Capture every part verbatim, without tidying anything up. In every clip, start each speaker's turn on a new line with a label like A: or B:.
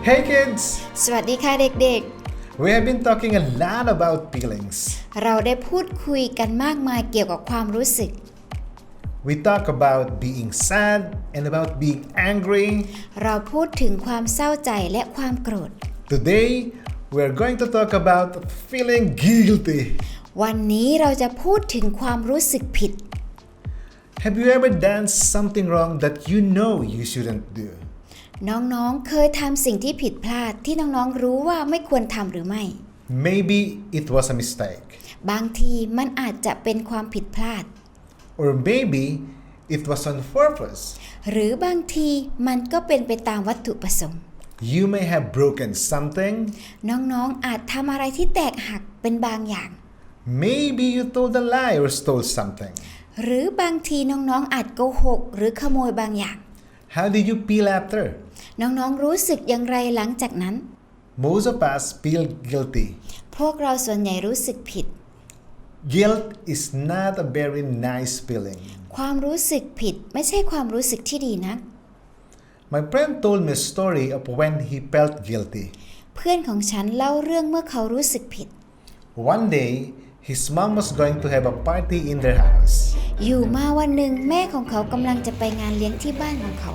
A: Hey kids!
B: สวัสดีค่ะเด็ก
A: We have been talking a lot about feelings.
B: ๆ เราได้พูดคุยกันมากมายเกี่ยวกับความรู้สึก
A: We talk about being sad and about being angry.
B: เราพูดถึงความเศร้าใจและความโกรธ
A: Today, we are going to talk about feeling guilty.
B: วันนี้เราจะพูดถึงความรู้สึกผิด
A: Have you ever done something wrong that you know you shouldn't do?
B: น้องๆ เคยทำสิ่งที่ผิดพลาดที่น้องๆ รู้ว่าไม่ควรทำหรือไม่
A: Maybe it was a mistake.
B: บางทีมันอาจจะเป็นความผิดพลาด
A: Or maybe it was on purpose.
B: หรือบางทีมันก็เป็นไปตามวัตถุประสงค์
A: You may have broken something.
B: น้องๆ อาจทำอะไรที่แตกหักเป็นบางอย่าง
A: Maybe you told a lie or stole something.
B: หรือบางทีน้องๆ อาจโกหกหรือขโมยบางอย่าง
A: How did you feel after?
B: น้องๆ รู้สึกอย่างไรหลังจากนั้น
A: Most of us feel guilty.
B: พวกเราส่วนใหญ่รู้สึกผิด
A: Guilt is not a very nice feeling.
B: ความรู้สึกผิดไม่ใช่ความรู้สึกที่ดีนัก
A: My friend told me a story of when he felt guilty.
B: เพื่อนของฉันเล่าเรื่องเมื่อเขารู้สึกผิด
A: One day, his mom was going to have a party in their house.
B: อยู่มาวันหนึ่งแม่ของเขากำลังจะไปงานเลี้ยงที่บ้านของเขา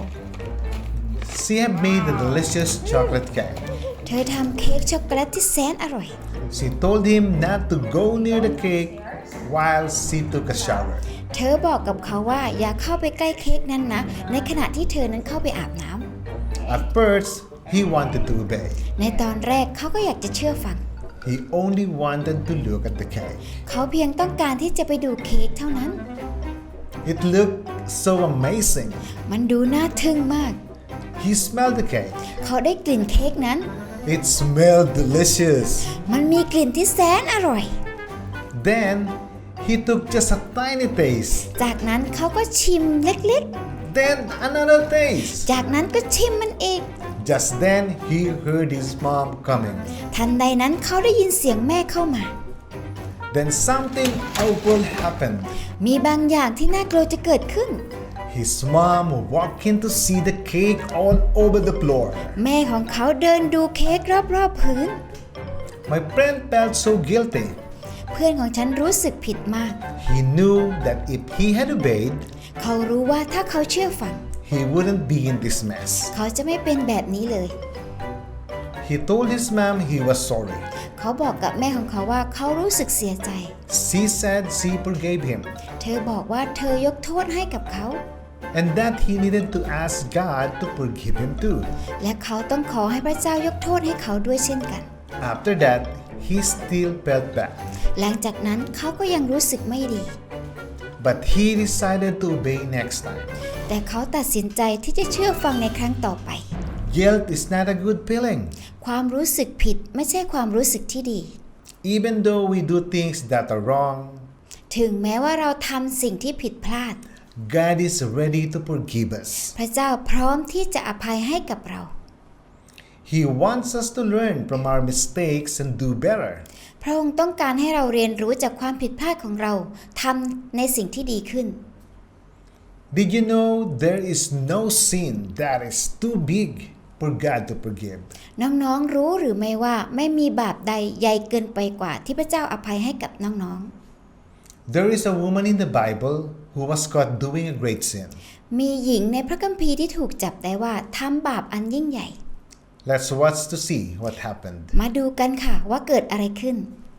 A: She had made a delicious chocolate cake.
B: เธอทำเค้กช็อกโกแลตที่แสนอร่อย
A: She told him not to go near the cake while she took a shower.
B: เธอบอกกับเขาว่าอย่าเข้าไปใกล้เค้กนั้นนะในขณะที่เธอนั้นเข้าไปอาบน้ำ
A: At first, he wanted to obey.
B: ในตอนแรกเขาก็อยากจะเชื่อฟัง
A: He only wanted to look at the cake.
B: เขาเพียงต้องการที่จะไปดูเค้กเท่านั้น
A: It looked so amazing.
B: มันดูน่าทึ่งมาก
A: He smelled the cake.
B: เขาได้กลิ่นเค้กนั้น
A: It smelled delicious.
B: มันมีกลิ่นที่แสนอร่อย
A: Then he took just a tiny taste.
B: จากนั้นเขาก็ชิมเล็ก
A: Then another taste.
B: ๆ จากนั้นก็ชิมมันอีก
A: Just then he heard his mom coming.
B: ทันใดนั้นเขาได้ยินเสียงแม่เข้ามา
A: Then something awful happened.
B: มีบางอย่างที่น่ากลัวจะเกิดขึ้น
A: His mom walked in to see the cake all over the floor.
B: แม่ของเขาเดินดูเค้กรอบๆพื้น
A: My friend felt so guilty.
B: เพื่อนของฉันรู้สึกผิดมาก
A: He knew that if he had obeyed,
B: เขารู้ว่าถ้าเขาเชื่อฟัง
A: he wouldn't be in this mess.
B: เขาจะไม่เป็นแบบนี้เลย
A: He told his mom he was sorry.
B: เขาบอกกับแม่ของเขาว่าเขารู้สึกเสียใจ
A: She said she forgave him.
B: เธอบอกว่าเธอยกโทษให้กับเขา
A: And that he needed to ask God to forgive him too.
B: และเขาต้องขอให้พระเจ้ายกโทษให้เขาด้วยเช่นกัน
A: After that, he still felt bad.
B: หลังจากนั้นเขาก็ยังรู้สึกไม่ดี
A: But he decided to obey next time.
B: แต่เขาตัดสินใจที่จะเชื่อฟังในครั้งต่อไป
A: Guilt is not a good feeling.
B: ความรู้สึกผิดไม่ใช่ความรู้สึกที่ดี
A: Even though we do things that are wrong,
B: ถึงแม้ว่าเราทำสิ่งที่ผิดพลาด
A: God is ready to forgive us.
B: พระเจ้าพร้อมที่จะอภัยให้กับเรา
A: He wants us to learn from our mistakes and do better.
B: พระองค์ต้องการให้เราเรียนรู้จากความผิดพลาดของเราทำในสิ่งที่ดีขึ้น
A: Did you know there is no sin that is too big for God to forgive?
B: น้องๆรู้หรือไม่ว่าไม่มีบาปใดใหญ่เกินไปกว่าที่พระเจ้าอภัยให้กับน้องๆ
A: There is a woman in the Bible who was caught doing a great sin.
B: มีหญิงในพระคัมภีร์ที่ถูกจับได้ว่าทำบาปอันยิ่งใหญ่
A: Let's watch to see what happened.
B: มาดูกันค่ะว่าเกิดอะไรขึ้น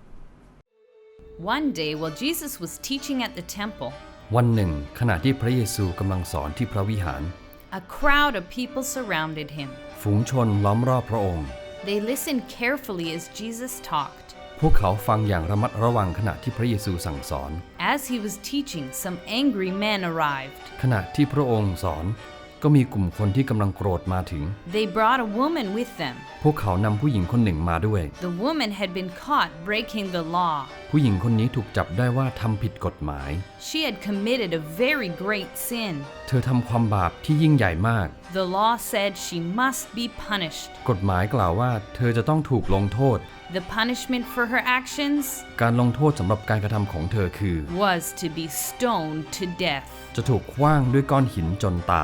C: One day while Jesus was teaching at the temple,
D: วันหนึ่งขณะที่พระเยซูกำลังสอนที่พระวิหาร
C: a crowd of people surrounded him.
D: ฝูงชนล้อมรอบพระองค์
C: They listened carefully as Jesus talked.
D: พวกเขาฟังอย่างระมัดระวังขณะที่พระเยซูสั่งสอน
C: As he was teaching, some angry men arrived.
D: ขณะที่พระองค์สอนก็มีกลุ่มคนที่กำลังโกรธมาถึง
C: They brought a woman with them.
D: พวกเขานำผู้หญิงคนหนึ่งมาด้วย
C: The woman had been caught breaking the law.
D: ผู้หญิงคนนี้ถูกจับได้ว่าทำผิดกฎหมาย
C: She had committed a very great sin.
D: เธอทำความบาปที่ยิ่งใหญ่มาก
C: The law said she must be punished.
D: กฎหมายกล่าวว่าเธอจะต้องถูกลงโทษ
C: The punishment for her actions
D: การลงโทษสำหรับการกระทำของเธอคือ
C: was to be stoned to death.
D: จะถูกขว้างด้วยก้อนหินจนตาย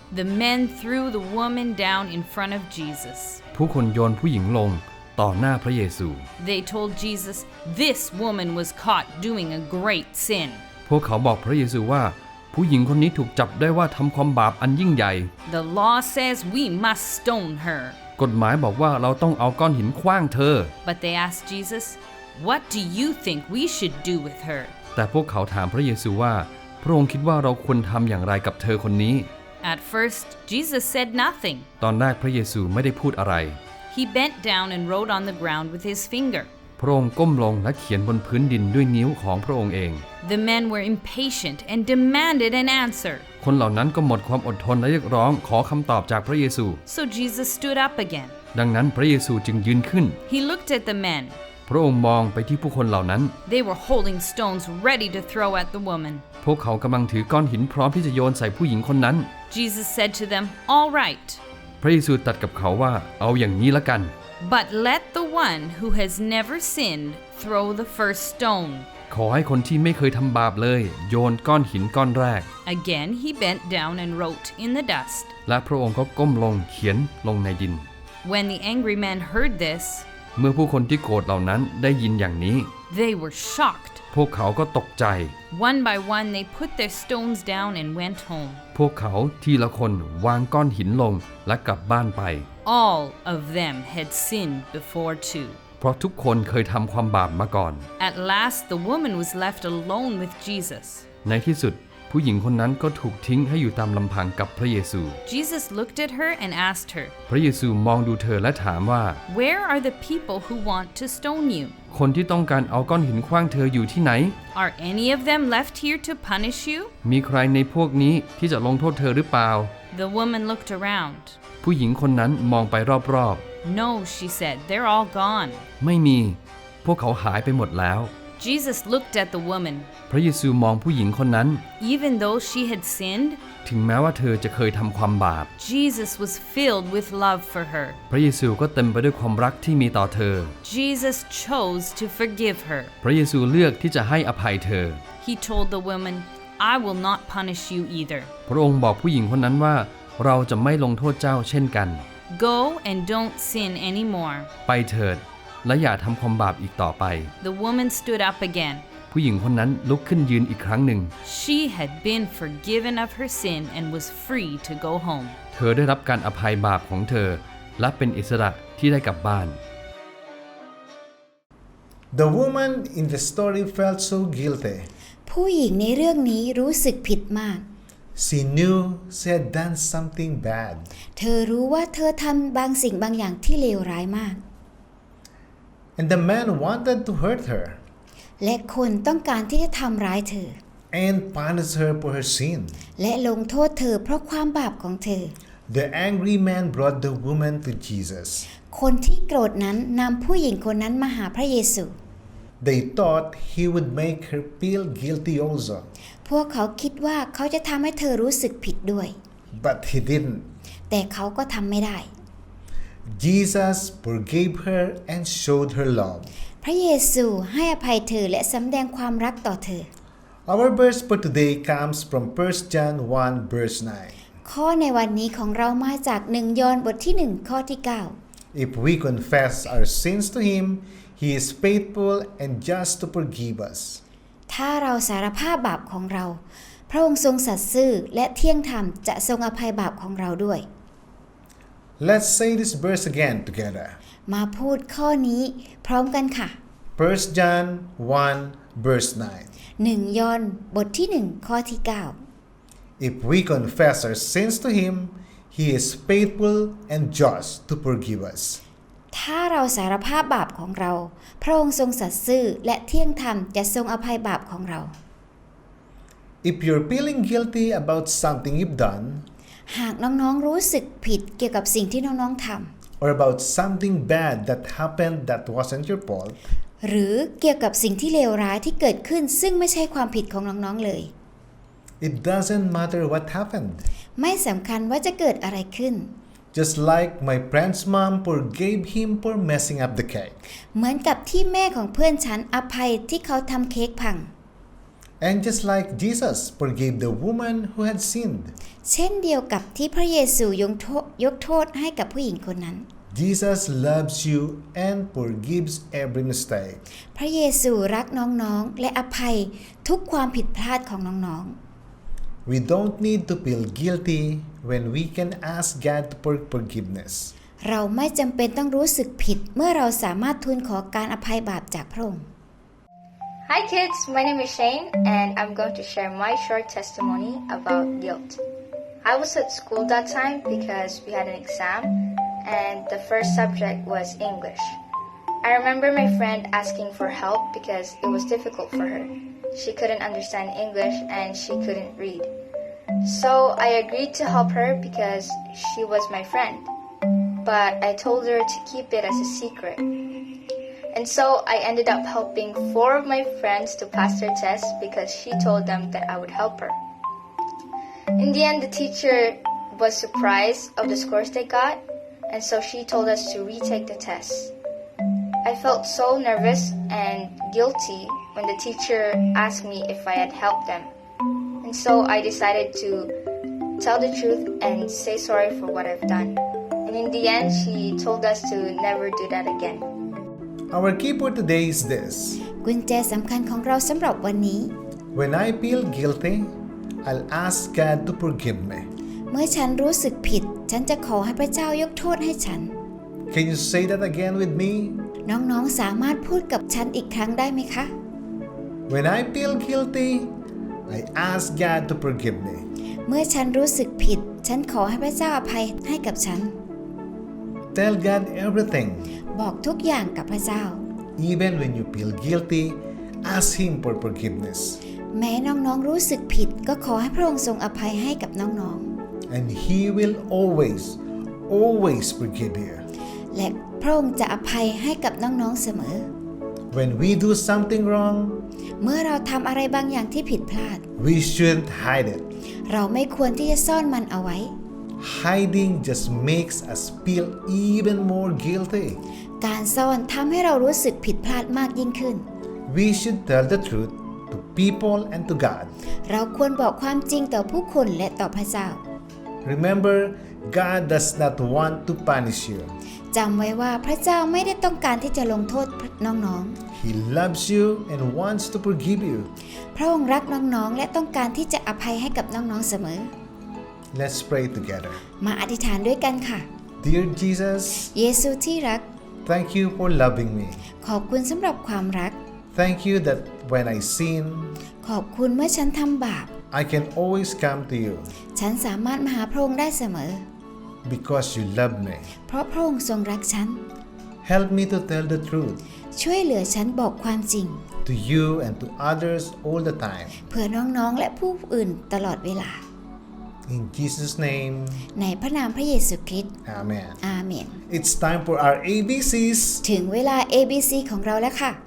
C: The men threw the woman down in front of Jesus.
D: ผู้คนโยนผู้หญิงลงต่อหน้าพระเยซู
C: They told Jesus, "This woman was caught doing a great sin."
D: พวกเขาบอกพระเยซูว่าผู้หญิงคนนี้ถูกจับได้ว่าทำความบาปอันยิ่งใหญ่
C: The law says we must stone her.
D: กฎหมายบอกว่าเราต้องเอาก้อนหินขว้างเธอ
C: But they asked Jesus, "What do you think we should do with her?"
D: แต่พวกเขาถามพระเยซูว่าพระองค์คิดว่าเราควรทำอย่างไรกับเธอคนนี้
C: At first, Jesus said nothing.
D: ตอนแรกพระเยซูไม่ได้พูดอะไร
C: He bent down and wrote on the ground with his finger.
D: พระองค์ก้มลงและเขียนบนพื้นดินด้วยนิ้วของพระองค์เอง
C: The men were impatient and demanded an answer.
D: คนเหล่านั้นก็หมดความอดทนและเรียกร้องขอคำตอบจากพระเยซู
C: So Jesus stood up again.
D: ดังนั้นพระเยซูจึงยืนขึ้น
C: He looked at the men.
D: พระองค์มองไปที่ผู้คนเหล่านั้น
C: They were holding stones ready to throw at the woman.
D: พวกเขากำลังถือก้อนหินพร้อมที่จะโยนใส่ผู้หญิงคนนั้น
C: Jesus said to them, "All right,
D: พระเยซูตรัสกับเขาว่าเอาอย่างนี้ละกัน
C: but let the one who has never sinned throw the first stone."
D: ขอให้คนที่ไม่เคยทำบาปเลยโยนก้อนหินก้อนแรก
C: Again, he bent down and wrote in the dust.
D: และพระองค์ก็ก้มลงเขียนลงในดิน
C: When the angry men heard this,
D: เมื่อผู้คนที่โกรธเหล่านั้นได้ยินอย่างนี้
C: they were shocked.
D: พวกเขาก็ตกใจ
C: One by one, they put their stones down and went home.
D: พวกเขาทีละคนวางก้อนหินลงและกลับบ้านไป
C: All of them had sinned before too.
D: เพราะทุกคนเคยทำความบาปมาก่อน
C: At last, the woman was left alone with Jesus.
D: ในที่สุดผู้หญิงคนนั้นก็ถูกทิ้งให้อยู่ตามลำพังกับพระเยซู
C: Jesus looked at her and asked her,
D: พระเยซูมองดูเธอและถามว่า
C: "Where are the people who want to stone you?
D: คนที่ต้องการเอาก้อนหินขว้างเธออยู่ที่ไหน
C: Are any of them left here to punish you?"
D: มีใครในพวกนี้ที่จะลงโทษเธอหรือเปล่า
C: The woman looked around.
D: ผู้หญิงคนนั้นมองไปรอบ
C: "No," she said, "they're all gone."
D: ๆไม่มีพวกเขาหายไปหมดแล้ว
C: Jesus looked at the woman.
D: พระเยซูมองผู้หญิงคนนั้น
C: Even though she had sinned,
D: ถึงแม้ว่าเธอจะเคยทำความบาป
C: Jesus was filled with love for her.
D: พระเยซูก็เต็มไปด้วยความรักที่มีต่อเธอ
C: Jesus chose to forgive her.
D: พระเยซูเลือกที่จะให้อภัยเธอ
C: He told the woman, "I will not punish you either.
D: พระองค์บอกผู้หญิงคนนั้นว่าเราจะไม่ลงโทษเจ้าเช่นกัน
C: Go and don't sin anymore."
D: ไปเถิดและอย่าทำความบาปอีกต่อไป
C: The woman stood up again.
D: ผู้หญิงคนนั้นลุกขึ้นยืนอีกครั้งหนึ่ง
C: She had been forgiven of her sin and was free to go home.
D: เธอได้รับการอภัยบาปของเธอและเป็นอิสระที่ได้กลับบ้าน
A: The woman in the story felt so guilty.
B: ผู้หญิงในเรื่องนี้รู้สึกผิดมาก
A: She knew she had done something bad.
B: เธอรู้ว่าเธอทำบางสิ่งบางอย่างที่เลวร้ายมาก
A: And the man wanted to hurt her
B: และคนต้องการที่จะทำร้ายเธอ
A: and punish her for her sin.
B: และลงโทษเธอเพราะความบาปของเธอ
A: The angry man brought the woman to Jesus.
B: คนที่โกรธนั้นนำผู้หญิงคนนั้นมาหาพระเยซู
A: They thought he would make her feel guilty also,
B: พวกเขาคิดว่าเขาจะทำให้เธอรู้สึกผิดด้วย
A: but he didn't.
B: แต่เขาก็ทำไม่ได้
A: Jesus forgave her and showed her love.
B: พระเยซูให้อภัยเธอและสำแดงความรักต่อเธอ
A: Our verse for today comes from First John one verse nine.
B: ข้อในวันนี้ของเรามาจากหนึ่งยอห์นบทที่หนึ่งข้อที่เก้า
A: If we confess our sins to him, he is faithful and just to forgive us.
B: ถ้าเราสารภาพบาปของเรา พระองค์ทรงสัตย์ซื่อและเที่ยงธรรมจะทรงอภัยบาปของเราด้วย
A: Let's say this verse again together.
B: มาพูดข้อนี้พร้อมกันค่ะ
A: First John one verse nine.
B: หนึ่งยอห์นบทที่หนึ่งข้อที่เก้า
A: If we confess our sins to him, he is faithful and just to forgive us.
B: ถ้าเราสารภาพบาปของเรา พระองค์ทรงสัตย์ซื่อและเที่ยงธรรมจะทรงอภัยบาปของเรา
A: If you're feeling guilty about something you've done,
B: หากน้องๆรู้สึกผิดเกี่ยวกับสิ่งที่น้องๆทำ
A: or about something bad that happened that wasn't your fault,
B: หรือเกี่ยวกับสิ่งที่เลวร้ายที่เกิดขึ้นซึ่งไม่ใช่ความผิดของน้องๆเลย
A: it doesn't matter what happened.
B: ไม่สำคัญว่าจะเกิดอะไรขึ้น
A: Just like my friend's mom forgave him for messing up the cake.
B: เหมือนกับที่แม่ของเพื่อนฉันอภัยที่เขาทำเค้กพัง
A: And just like Jesus forgave the woman who had sinned,
B: เช่นเดียวกับที่พระเยซูยกโทษยกโทษให้กับผู้หญิงคนนั้น
A: Jesus loves you and forgives every mistake.
B: พระเยซูรักน้องๆและอภัยทุกความผิดพลาดของน้อง
A: We don't need to feel guilty when we can ask God for forgiveness.
B: ๆ เราไม่จำเป็นต้องรู้สึกผิดเมื่อเราสามารถทูลขอการอภัยบาปจากพระองค์
E: Hi kids, my name is Shane and I'm going to share my short testimony about guilt. I was at school that time because we had an exam and the first subject was English. I remember my friend asking for help because it was difficult for her. She couldn't understand English and she couldn't read. So I agreed to help her because she was my friend. But I told her to keep it as a secret. And so I ended up helping four of my friends to pass their tests because she told them that I would help her. In the end, the teacher was surprised of the scores they got, and so she told us to retake the tests. I felt so nervous and guilty when the teacher asked me if I had helped them. And so I decided to tell the truth and say sorry for what I've done. And in the end, she told us to never do that again.
A: Our key for today is this.
B: กุญแจสำคัญของเราสำหรับวันนี้
A: When I feel guilty, I'll ask God to forgive me.
B: เมื่อฉันรู้สึกผิดฉันจะขอให้พระเจ้ายกโทษให้ฉัน
A: Can you say that again with me?
B: น้องๆสามารถพูดกับฉันอีกครั้งได้ไหมคะ
A: When I feel guilty, I ask God to forgive me.
B: เมื่อฉันรู้สึกผิดฉันขอให้พระเจ้าอภัยให้กับฉัน
A: Tell God everything.
B: บอกทุกอย่างกับพระเจ้า
A: Even when you feel guilty, ask Him for forgiveness.
B: แม้น้องๆรู้สึกผิดก็ขอให้พระองค์ทรงอภัยให้กับน้อง
A: And He will always, always forgive you.
B: ๆ และพระองค์จะอภัยให้กับน้องๆเสมอ
A: When we do something wrong,
B: เมื่อเราทำอะไรบางอย่างที่ผิดพลาด
A: we shouldn't hide it.
B: เราไม่ควรที่จะซ่อนมันเอาไว้
A: Hiding just makes us feel even more guilty.
B: การซ่อนทำให้เรารู้สึกผิดพลาดมากยิ่งขึ้น
A: We should tell the truth to people and to God.
B: เราควรบอกความจริงต่อผู้คนและต่อพระเจ้า
A: Remember, God does not want to punish you.
B: จำไว้ว่าพระเจ้าไม่ได้ต้องการที่จะลงโทษน้อง
A: He loves you and wants to forgive you.
B: ๆ พระองค์รักน้องๆและต้องการที่จะอภัยให้กับน้องๆเสมอ
A: Let's pray together.
B: มาอธิษฐานด้วยกันค่ะ
A: Dear Jesus,
B: เยซูที่รัก
A: thank you for loving me.
B: ขอบคุณสำหรับความรัก
A: Thank you that when I sin,
B: ขอบคุณเมื่อฉันทำบาป
A: I can always come to you
B: ฉันสามารถมาหาพระองค์ได้เสมอ
A: because you love me.
B: เพราะพระองค์ทรงรักฉัน
A: Help me to tell the truth
B: ช่วยเหลือฉันบอกความจริง
A: to you and to others all the time.
B: เพื่อน้องๆและผู้อื่นตลอดเวลา
A: In Jesus' name,
B: ในพระนามพระเยซูคริสต์
A: Amen.
B: อาเมน
A: It's time for our A B Cs.
B: ถึงเวลา เอ บี ซี ของเราแล้วค่ะ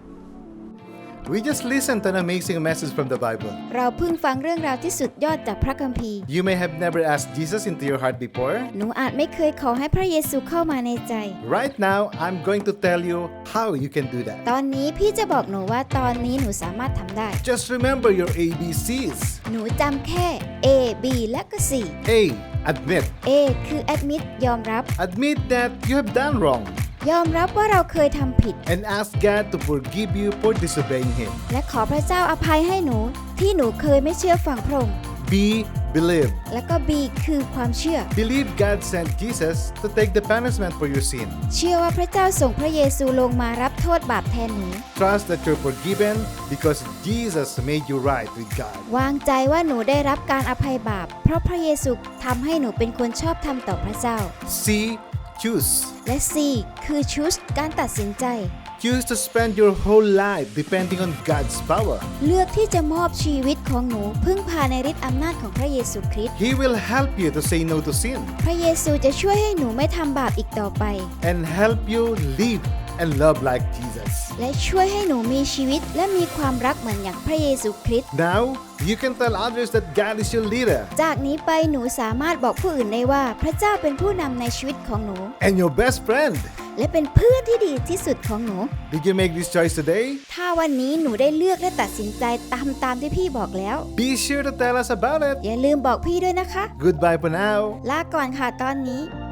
A: We just listened to an amazing message from the Bible.
B: เราเพิ่งฟังเรื่องราวที่สุดยอดจากพระคัมภีร์
A: You may have never asked Jesus into your heart before.
B: หนูอาจไม่เคยขอให้พระเยซูเข้ามาในใจ
A: Right now, I'm going to tell you how you can do that.
B: ตอนนี้พี่จะบอกหนูว่าตอนนี้หนูสามารถทำได้
A: Just remember your A B Cs.
B: หนูจำแค่ A B และก็ C
A: A. Admit.
B: A คือ admit ยอมรับ
A: Admit that you have done wrong
B: ยอมรับว่าเราเคยทำผิด
A: and ask God to forgive you for disobeying Him.
B: และขอพระเจ้าอภัยให้หนูที่หนูเคยไม่เชื่อฟังพระองค์
A: B. Believe.
B: และก็ B คือความเชื่อ
A: Believe God sent Jesus to take the punishment for your sin.
B: เชื่อว่าพระเจ้าส่งพระเยซูลงมารับโทษบาปแทนหนู
A: Trust that you're forgiven because Jesus made you right with God.
B: วางใจว่าหนูได้รับการอภัยบาปเพราะพระเยซูทำให้หนูเป็นคนชอบธรรมต่อพระเจ้า
A: C. Choose.
B: และ C คือ choose การตัดสินใจ
A: Choose to spend your whole life depending on God's power.
B: เลือกที่จะมอบชีวิตของหนูพึ่งพาในฤทธิ์อำนาจของพระเยซูคริสต์
A: He will help you to say no to sin
B: พระเยซูจะช่วยให้หนูไม่ทำบาปอีกต่อไป
A: and help you live and love like Jesus.
B: และช่วยให้หนูมีชีวิตและมีความรักเหมือนอย่างพระเยซูคริสต์
A: Now, you can tell others that God is your leader
B: จากนี้ไปหนูสามารถบอกผู้อื่นได้ว่าพระเจ้าเป็นผู้นำในชีวิตของหนู
A: and your best friend.
B: และเป็นเพื่อนที่ดีที่สุดของหนู
A: Did you make this choice today?
B: ถ้าวันนี้หนูได้เลือกและตัดสินใจตามตามที่พี่บอกแล้ว
A: Be sure to tell us about it.
B: อย่าลืมบอกพี่ด้วยนะคะ
A: Goodbye for now.
B: ลาก่อนค่ะตอนนี้